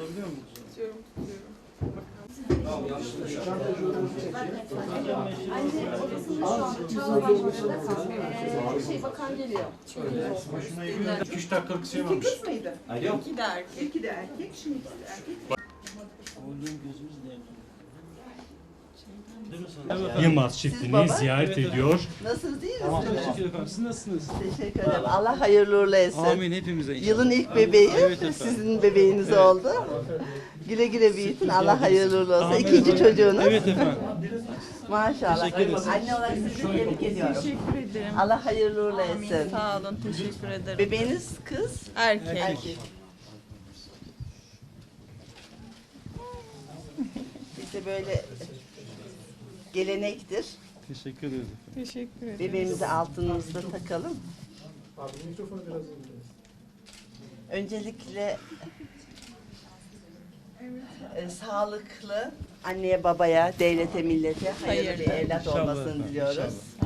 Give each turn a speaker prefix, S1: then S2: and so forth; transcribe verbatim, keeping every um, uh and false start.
S1: Tutabiliyor musun?
S2: Tutuyorum, tutuyorum.
S3: Anne odasında şu anda Çağla Başbakan'da kalmıyor. Şey bakan geliyor.
S1: iki üç dakikalık şey
S4: İki
S1: varmış.
S4: kız mıydı?
S1: Alo.
S2: İki de erkek.
S4: İki de erkek, şimdi ikisi de erkek.
S5: Yılmaz çiftliğini ziyaret ediyor.
S4: Nasılsınız, iyi
S1: Tamam,
S4: misiniz?
S1: teşekkür ederim. Siz nasılsınız?
S4: Teşekkür ederim. Allah hayırlı uğurlu etsin.
S1: Amin hepimize inşallah.
S4: Yılın ilk bebeği
S1: Evet efendim.
S4: sizin bebeğiniz oldu. Güle güle büyütün. Allah hayırlı uğurlu olsun.
S1: Amin.
S4: İkinci çocuğunuz.
S1: Evet efendim.
S4: Maşallah.
S1: Teşekkür ederiz.
S4: Anne olarak sizi tebrik ediyorum.
S2: Teşekkür ederim.
S4: Allah hayırlı uğurlu
S2: Amin.
S4: etsin.
S2: Sağ olun, teşekkür ederim.
S4: Bebeğiniz kız,
S2: Erkek.
S4: erkek. Bizde böyle gelenektir.
S1: Teşekkür ederim.
S2: Teşekkür ederim.
S4: Bebeğimizi altınımızda takalım. Öncelikle e, sağlıklı anneye babaya, devlete, millete hayırlı bir
S2: Hayırlı.
S4: evlat
S1: İnşallah
S4: olmasını
S1: efendim,
S4: diliyoruz.
S1: inşallah.